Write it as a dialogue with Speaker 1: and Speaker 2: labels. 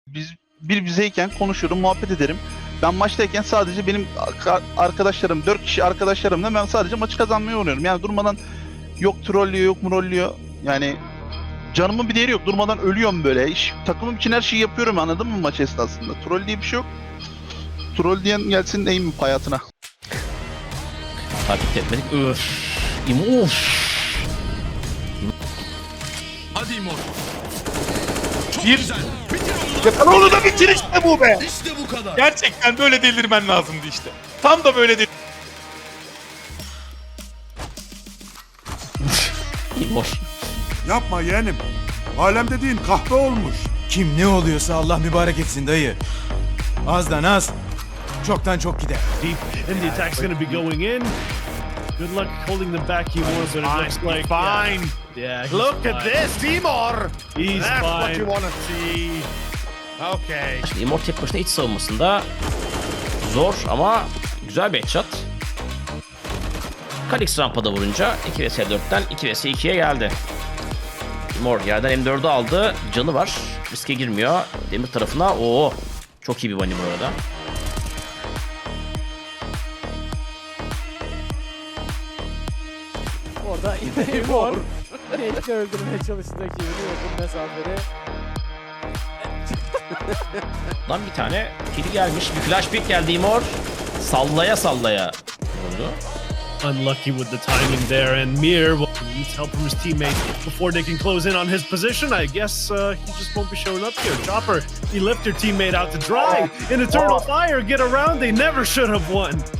Speaker 1: Biz bizeyken konuşurum, muhabbet ederim. Ben maçtayken sadece benim arkadaşlarım, 4 kişi arkadaşlarımla ben sadece maçı kazanmaya oynuyorum. Yani durmadan yok trollüyor, yok mrollüyor. Yani canımın bir değeri yok. Durmadan ölüyorum böyle. Takımım için her şeyi yapıyorum, anladın mı maç esnasında? Troll diye bir şey yok. Troll diyen gelsin aim hayatına.
Speaker 2: Takip etmedik. Öf. Of.
Speaker 3: Hadi İmor. Çok
Speaker 4: Bir-
Speaker 3: güzel.
Speaker 4: Onu da bitir işte bu be.
Speaker 3: İşte bu kadar.
Speaker 4: Gerçekten böyle delirmen lazımdı işte. Tam da böyle
Speaker 2: İmor.
Speaker 5: Yapma yeğenim. Alem dediğin kahve olmuş.
Speaker 6: Kim ne oluyorsa Allah mübarek etsin dayı. Azdan az, çoktan çok gider.
Speaker 7: Deep, and the attack's going to be going in. Good luck holding them back, Timor, but it looks like...
Speaker 8: Fine.
Speaker 7: Yeah, he's
Speaker 8: Look
Speaker 7: fine.
Speaker 8: at this, Timor.
Speaker 7: He's
Speaker 8: That's what
Speaker 7: fine.
Speaker 8: you want to see. Okay.
Speaker 2: Şimdi Immort tek başına iç savunmasında zor ama güzel bir headshot. Kalix rampada vurunca 2 vs 4'ten 2 vs 2'ye geldi. Immort yerden M4'ü aldı. Canı var. Riske girmiyor. Demir tarafına. Oo. Çok iyi bir bunny bu arada.
Speaker 9: Orada İmor Nate'i öldürmeye çalıştı rakibini yakın mesafede.
Speaker 2: Lan bir tane kili gelmiş. Bir flash pick geldi Immort. Sallaya sallaya vurdu.
Speaker 7: Unlucky with the timing there, and Mir needs help from his teammates before they can close in on his position. I guess he just won't be showing up here. Chopper, he left your teammate out to dry. In Eternal Fire, get around, they never should have won.